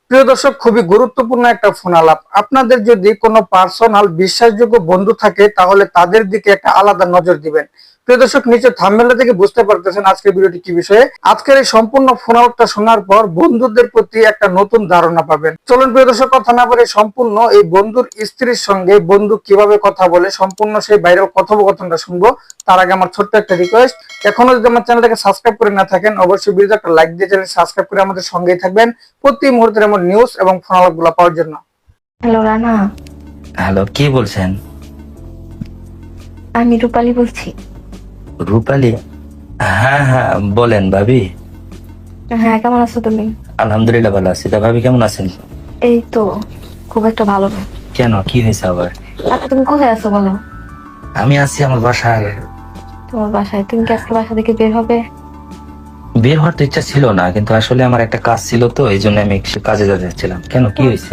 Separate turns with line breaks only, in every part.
প্রিয় দর্শক, খুবই গুরুত্বপূর্ণ একটা ফোন আলাপ। আপনাদের যদি কোনো পার্সোনাল বিশ্বাসযোগ্য বন্ধু থাকে তাহলে তাদের দিকে একটা আলাদা নজর দিবেন। প্রিয় দর্শক, নিচে থাম্বনেল থেকে বুঝতে পারতেছেন আজকের ভিডিওটি কি বিষয়ে। আজকের এই সম্পূর্ণ ফোন আলাপটা শোনার পর বন্ধুদের প্রতি একটা নতুন ধারণা পাবেন। চলুন প্রিয় দর্শক, কথা না বলে সম্পূর্ণ এই বন্ধুর স্ত্রীর সঙ্গে বন্ধু কিভাবে কথা বলে সম্পূর্ণ সেই ভাইরাল কথোপকথনটা শুনবো। তার আগে আমার ছোট্ট একটা রিকোয়েস্ট, এখনো যদি আমার চ্যানেলটাকে সাবস্ক্রাইব করে না থাকেন অবশ্যই ভিডিওতে একটা লাইক দিয়ে চ্যানেল সাবস্ক্রাইব করে আমাদের সঙ্গেই থাকবেন প্রতি মুহূর্তের এমন নিউজ এবং ফোন আলাপগুলো পাওয়ার জন্য।
হ্যালো রানা,
হ্যালো, কে বলছেন?
আমি রূপালী বলছি।
রূপালী? হ্যাঁ হ্যাঁ, বলেন ভাবি।
হ্যাঁ, কেমন আছো তুমি?
আলহামদুলিল্লাহ ভালো আছি। তা ভাবি কেমন আছেন?
এই তো, খুব একটা ভালো না।
কেন, কি হয়েছে আবার?
আচ্ছা, তুমি কোথায় আছো বলো?
আমি আছি আমার বাসায়।
তোমার বাসায়? তুমি কি আজকে বাসা থেকে বের হবে?
বের হওয়ার তো ইচ্ছা ছিল না, কিন্তু আসলে আমার একটা কাজ ছিল, তো এই জন্য আমি একটু কাজে যাচ্ছিলাম। কেন, কি হয়েছে?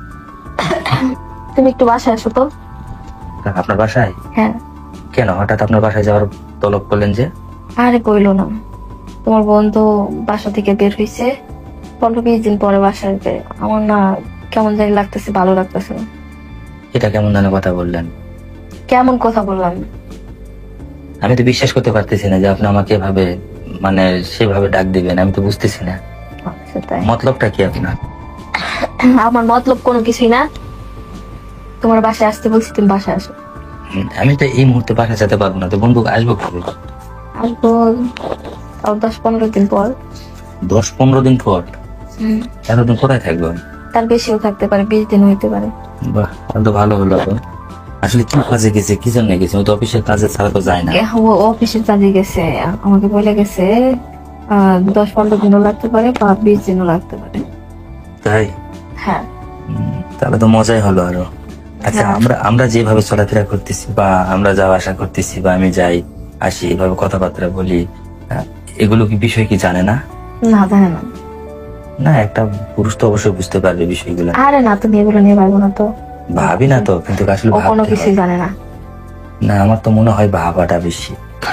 তুমি একটু বাসায় আসো তো।
আপনার বাসায়?
হ্যাঁ।
কেন হঠাৎ আপনার বাসায় যাওয়ার তলব করলেন যে?
আরে কইলো না, তোমার বন্ধু বাসা থেকে বের হয়েছে, 15-20 দিন পরে বাসায় আসবে। আমার না কেমন জানি লাগতেছে, ভালো লাগতেছে না।
এটা কেমন ধরনের কথা বললেন?
কেমন কথা বললাম?
আমি তো বিশ্বাস করতে পারতেছি না যে আপনি আমাকে এভাবে, মানে সেভাবে ডাক দিবেন। আমি তো বুঝতেছি না
আচ্ছা, তাই?
মতলবটা কি আপনার।
আমার মতলব কোনো কিছুই না। তোমার বাসায় আসতে বলছি, তুমি বাসায় আসো।
আমি তো এই মুহূর্তে বাসায় যেতে পারবো না, তো বন্ধু আসবো কবে?
আসবো তাও 10-15 দিন পর।
10-15 দিন পর? এতদিন কোথায় থাকবো?
তার বেশিও থাকতে পারে, 20 দিন হইতে পারে।
বাহ, তাহলে তো ভালো হলো। তো আসলে কি কাজে গেছে, কি জন্য গেছে? ও তো অফিসের কাজে ছাড়া তো যায় না।
ও অফিসের কাজে গেছে, আমাকে বলে গেছে 10-15 দিনও লাগতে পারে বা 20 দিনও লাগতে পারে।
তাই?
হ্যাঁ।
তাহলে তো মজাই হলো আরো। আচ্ছা,
হ্যাঁ।
আমরা আমরা যেভাবে চলাফেরা করতেছি বা আমরা যাওয়া আসা করতেছি বা আমি যাই আসি, এভাবে কথাবার্তা বলি, এগুলো কি বিষয় কি জানে না?
না, জানে না।
না, একটা পুরুষ তো অবশ্যই বুঝতে পারবে বিষয়গুলো।
আরে না, তুমি এগুলো নিয়ে পারবো না তো।
ভাবি না তো, কিন্তু আসলে
ও কোনো
ভাবতে
কিছুই
হয়।
জানে না।
না, আমার তো মনে হয় ভাবাটা বেশি।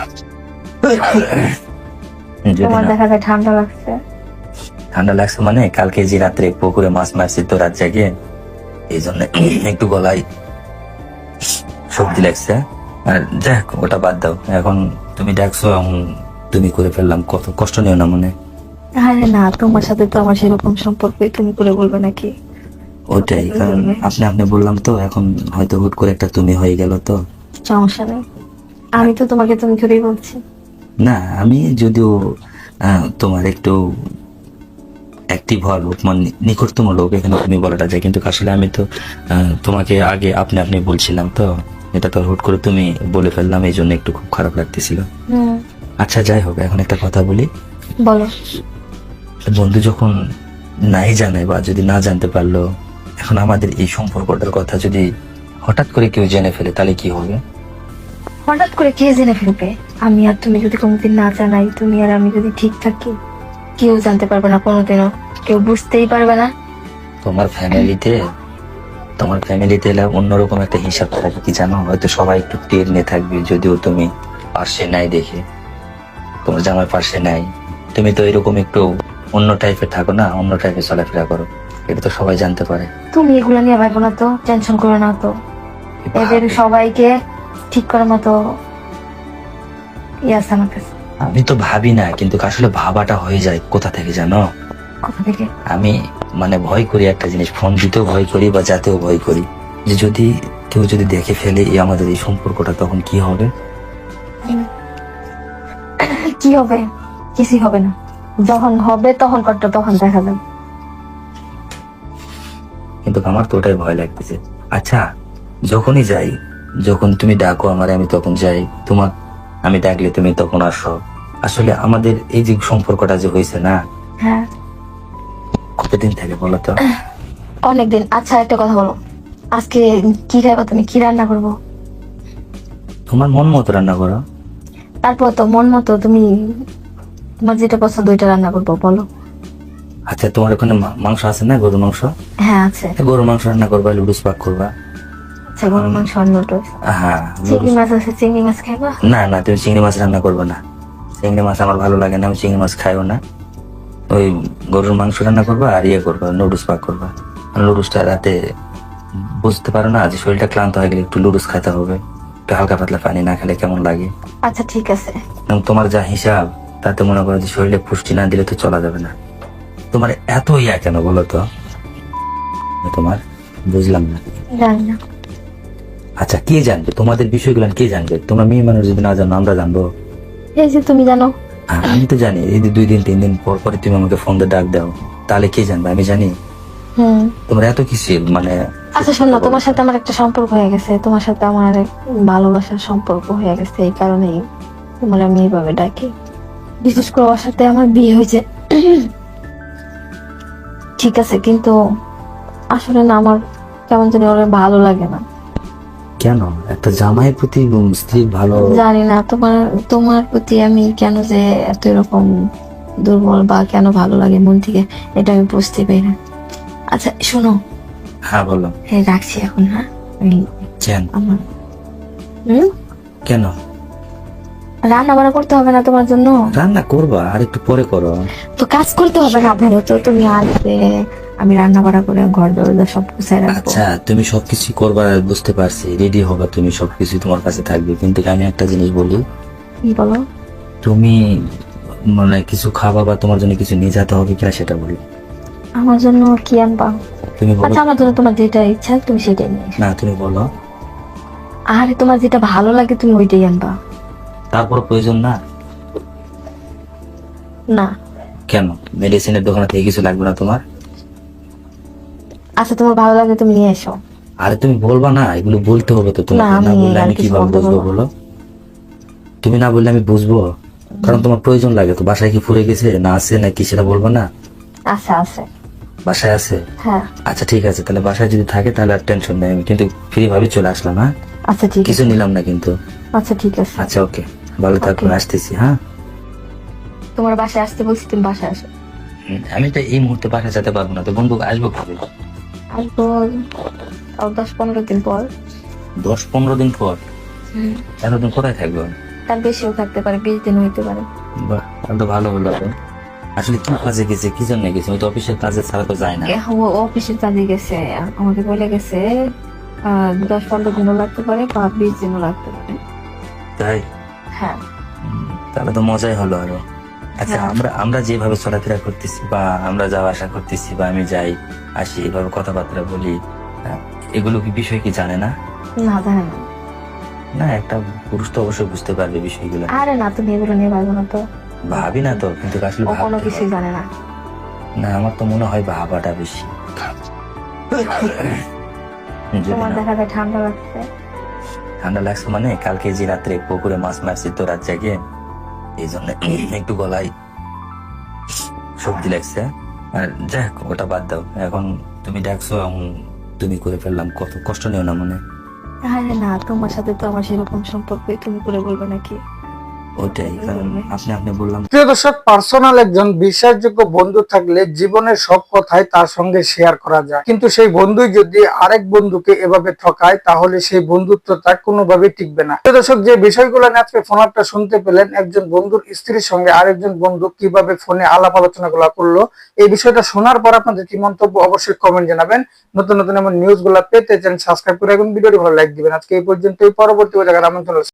যদি
তোমার
না
দেখা যায় ঠান্ডা লাগছে।
ঠান্ডা লাগছে, মানে কালকে যে রাত্রে পুকুরে মাছ মারছি তো রাত জাগে, এই জন্য একটু গলায় সর্দি লাগছে। আর দেখ, ওটা বাদ দাও। এখন তুমি ডাকছো, এখন তুমি করে ফেললাম, কত কষ্ট নিও না মনে।
আরে না, তোমার সাথে তো আমার সেরকম সম্পর্ক, তুমি করে বলবে নাকি?
ওটাই, কারণ আপনি বললাম তো, এখন হয়তো হুট করে একটা তুমি হয়ে গেল তো।
সমস্যা নেই, আমি তো তোমাকে তুমি করেই বলছি।
না, আমি যদিও তোমার একটু অ্যাক্টিভ হওয়ার লোক, মানে নিকটতম লোক, এখানে তুমি বলাটা যায়, কিন্তু আসলে আমি তো তোমাকে আগে আপনি বলছিলাম তো। এটা তো হুট করে তুমি বলে ফেললাম, এই জন্য একটু খুব খারাপ লাগতেছিল। আচ্ছা, যাই হোক, এখন একটা কথা বলি।
বলো।
বন্ধু যখন নাই জানে বা যদি না জানতে পারলো, এখন আমাদের এই সম্পর্কটার কথা যদি হঠাৎ করে কেউ জেনে ফেলে, তাহলে কি হবে?
হঠাৎ করে কে জেনে ফেলবে? আমি আর তুমি যদি কোনোদিন না জানাই, তুমি আর আমি যদি ঠিক থাকি, কেউ জানতে পারবে না কোনোদিনও, কেউ বুঝতেই পারবে না।
তোমার ফ্যামিলিতে এলে অন্যরকম একটা হিসাব থাকে, কি জানো? হয়তো সবাই একটু টের নিয়ে থাকবে, যদিও তুমি পাশে নাই দেখে, তোমার জামাই পাশে নাই। তুমি তো এরকম একটু অন্য টাইপের থাকো না, অন্য টাইপের চলাফেরা করো, এটা তো সবাই জানতে পারে।
তুমি এগুলা নিয়ে ভাবো না তো, টেনশন করো না তো। এদের সবাইকে ঠিক করার মতো আছে আমার কাছে।
আমি তো ভাবি না, কিন্তু আসলে ভাবাটা হয়ে যায় কোথা থেকে জানো?
কোথা থেকে?
আমি মানে ভয় করি একটা জিনিস, ফোন দিতেও ভয় করি বা যাতেও ভয় করি, যে যদি কেউ যদি দেখে ফেলে এই আমাদের এই সম্পর্কটা, তখন কি হবে?
কি হবে? কিছুই হবে না। যখন হবে তখন কতটা, তখন দেখা যাবে।
কিন্তু আমার তো ওটাই ভয় লাগতেছে। আচ্ছা, যখনই যাই, যখন তুমি ডাকো আমার, আমি তখন যাই, তোমার আমি ডাকলে তুমি তখন আসো। আসলে আমাদের এই যে সম্পর্কটা যে হয়েছে না,
হ্যাঁ।
কতদিন থেকে বলো তো?
অনেকদিন। আচ্ছা, একটা কথা বলো, আজকে কি খাইবা তুমি? কি রান্না করবো?
তোমার মন মতো রান্না করো।
তারপর তো মন মতো, তুমি তোমার যেটা পছন্দ ওইটা রান্না করবো, বলো।
আচ্ছা, তোমার ওখানে মাংস আছে না, গরুর মাংস?
হ্যাঁ, আছে।
গরুর মাংস রান্না করবা, লুডুস পাক করবা।
আচ্ছা, গরুর মাংস আর নুডলস।
হ্যাঁ,
চিংড়ি মাছ আছে, চিংড়ি মাছ খাইবা?
না না, তুমি চিংড়ি মাছ রান্না করবে না। চিংড়ি মাছ আমার ভালো লাগে না, আমি চিংড়ি মাছ খাইও না। ওই গরুর মাংস রান্না করবা আর ইয়ে করবা, নুডলস পাক করবা। নুডলসটা রাতে বুঝতে পারো না যে শরীরটা ক্লান্ত হয়ে গেলে একটু নুডলস খেতে হবে, একটু হালকা পাতলা পানি না খেলে কেমন লাগে।
আচ্ছা ঠিক আছে।
এবং তোমার যা হিসাব তাতে মনে করো যে শরীরে পুষ্টি না দিলে তো চলা যাবে না। তোমার এত ইয়া কেন বলো তো? তোমার বুঝলাম না।
জানি না।
আচ্ছা কে জানবে তোমাদের বিষয়গুলো? কে জানবে? তোমরা মেয়ে মানুষ যদি না জানো আমরা জানবো?
এই যে তুমি জানো।
আমি তো জানি। এই যে 2 দিন 3 দিন পর পরে তুমি আমাকে ফোন দিয়ে ডাক দাও, তাহলে কে জানবে? আমি জানি। তোমার এত কিছু মানে।
আচ্ছা শোনো, তোমার সাথে আমার একটা সম্পর্ক হয়ে গেছে, তোমার সাথে আমার এক ভালোবাসার সম্পর্ক হয়ে গেছে, এই কারণেই তোমার আমি এইভাবে ডাকি। বিশেষ করে ওর সাথে আমার বিয়ে হয়েছে ঠিক আছে, কিন্তু আসলে না আমার কেমন জানি ওর ভালো লাগে না।
কেন? একটা জামাইয়ের প্রতি স্ত্রী ভালো?
জানি না তোমার তোমার প্রতি আমি কেন যে এত এরকম দুর্বল বা কেন ভালো লাগে মন থেকে, এটা আমি বুঝতে পারি না। আচ্ছা শোনো।
হ্যাঁ বলো।
হ্যাঁ রাখছি এখন। হ্যাঁ আমি
কেন?
আমার
কেন?
রান্না বান্না করতে হবে না তোমার জন্য?
রান্না করবা আর একটু পরে করো।
তো কাজ করতে হবে না, ধরো তো তুমি আসবে, আমি রান্না বান্না করে ঘর দরজা সব গুছাই রাখবো।
আচ্ছা তুমি সবকিছু করবা বুঝতে পারছি, রেডি হবা তুমি, সবকিছু তোমার কাছে থাকবে, কিন্তু আমি একটা জিনিস বলি।
কি বলো?
তুমি মানে কিছু খাবা বা তোমার জন্য কিছু নিয়ে যেতে হবে কিনা সেটা বলো।
আমার জন্য কি আনবা?
তুমি বলো।
আচ্ছা আমার জন্য তোমার যেটা ইচ্ছা তুমি সেটাই নিয়ে এসো।
না তুমি বলো।
আরে তোমার যেটা ভালো লাগে তুমি ওইটাই আনবা।
তারপর প্রয়োজন না?
না।
কেন? মেডিসিনের দোকানে থেকে কিছু লাগবে না তোমার?
আচ্ছা তোমার ভালো লাগে তুমি নিয়ে এসো।
আরে তুমি বলবা না, এগুলো বলতে হবে তো তোমাকে,
না,
না
আমি
বললে
আর
আমি
কিছু
কিভাবে
বলতে
বুঝবো
পারবো
বলো? তুমি না বললে আমি বুঝবো, কারণ তোমার প্রয়োজন লাগে তো। বাসায় কি ফুরে গেছে না আছে নাকি সেটা বলবো না?
আচ্ছা আছে।
বাসায় আছে?
হ্যাঁ।
আচ্ছা ঠিক আছে, তাহলে বাসায় যদি থাকে তাহলে আর টেনশন নেই, আমি কিন্তু ফ্রি ভাবে চলে আসলাম। হ্যাঁ
আচ্ছা ঠিক
কিছু
আছে।
নিলাম না কিন্তু।
আচ্ছা ঠিক আছে।
আচ্ছা ওকে, ভালো থাকো,
Okay.
আসতেছি। হ্যাঁ
তোমার বাসায় আসতে বলছি, তুমি বাসায় আসো।
আমি তো এই মুহূর্তে বাসায় যেতে পারবো না, তো বন্ধু আসবো কবে?
আসবো তাও 10-15 দিন পর।
10-15 দিন পর? এতদিন কোথায় থাকবো?
তার বেশিও থাকতে পারে, 20 দিন হইতে পারে।
বাহ, তাহলে তো ভালো হলো। তো আসলে কি কাজে গেছে, কি জন্য গেছে? ওই তো অফিসের কাজে ছাড়া তো যায় না।
ও অফিসের কাজে গেছে, আমাকে বলে গেছে 10-15 দিনও লাগতে পারে বা 20 দিনও লাগতে পারে।
তাই?
হ্যাঁ।
তাহলে তো মজাই হলো আরো। আচ্ছা
হ্যাঁ।
আমরা যেভাবে চলাফেরা করতেছি বা আমরা যাওয়া আসা করতেছি বা আমি যাই আসি এভাবে কথাবার্তা বলি, এগুলো কি বিষয় কি জানে না?
না জানে না।
না একটা পুরুষ তো অবশ্যই বুঝতে পারবে বিষয়গুলো।
আরে না তুমি এগুলো নিয়ে পারবো না তো।
ভাবি না তো, কিন্তু আসলে
ও কোনো
ভাবতে
কিছুই
হয়।
জানে না।
না আমার তো মনে হয় ভাবাটা বেশি। যদি
তোমার
না
দেখা যায় ঠান্ডা লাগছে।
ঠান্ডা লাগছে মানে কালকে যে রাত্রে পুকুরে মাছ মারছি তো রাত জাগে, এই জন্য একটু গলায় সর্দি লাগছে। আর যাক ওটা বাদ দাও, এখন তুমি ডাকছো এখন তুমি করে ফেললাম, কত কষ্ট নিও না মনে।
আরে না তোমার সাথে তো আমার সেরকম সম্পর্ক, তুমি করে বলবে নাকি?
ওটাই, কারণ আপনি বললাম।
প্রিয় দর্শক, পার্সোনাল একজন বিশ্বাসযোগ্য বন্ধু থাকলে জীবনের সব কথাই তার সঙ্গে শেয়ার করা যায়, কিন্তু সেই বন্ধুই যদি আরেক বন্ধুকে এভাবে ঠকায় তাহলে সেই বন্ধুত্বটা কোনোভাবেই টিকবে না। প্রিয় দর্শক, যে বিষয়গুলো নিয়ে আজকে ফোন আপটা শুনতে পেলেন, একজন বন্ধুর স্ত্রীর সঙ্গে আরেকজন বন্ধু কিভাবে ফোনে আলাপ আলোচনা গুলা করলো, এই বিষয়টা শোনার পর আপনাদের কি মন্তব্য অবশ্যই কমেন্ট জানাবেন। নতুন নতুন এমন নিউজ গুলা পেতে চ্যানেল সাবস্ক্রাইব করে রাখুন, ভিডিওটি ভালো লাইক দিবেন। আজকে এই পর্যন্তই, পরবর্তী জায়গার আমন্ত্রণ।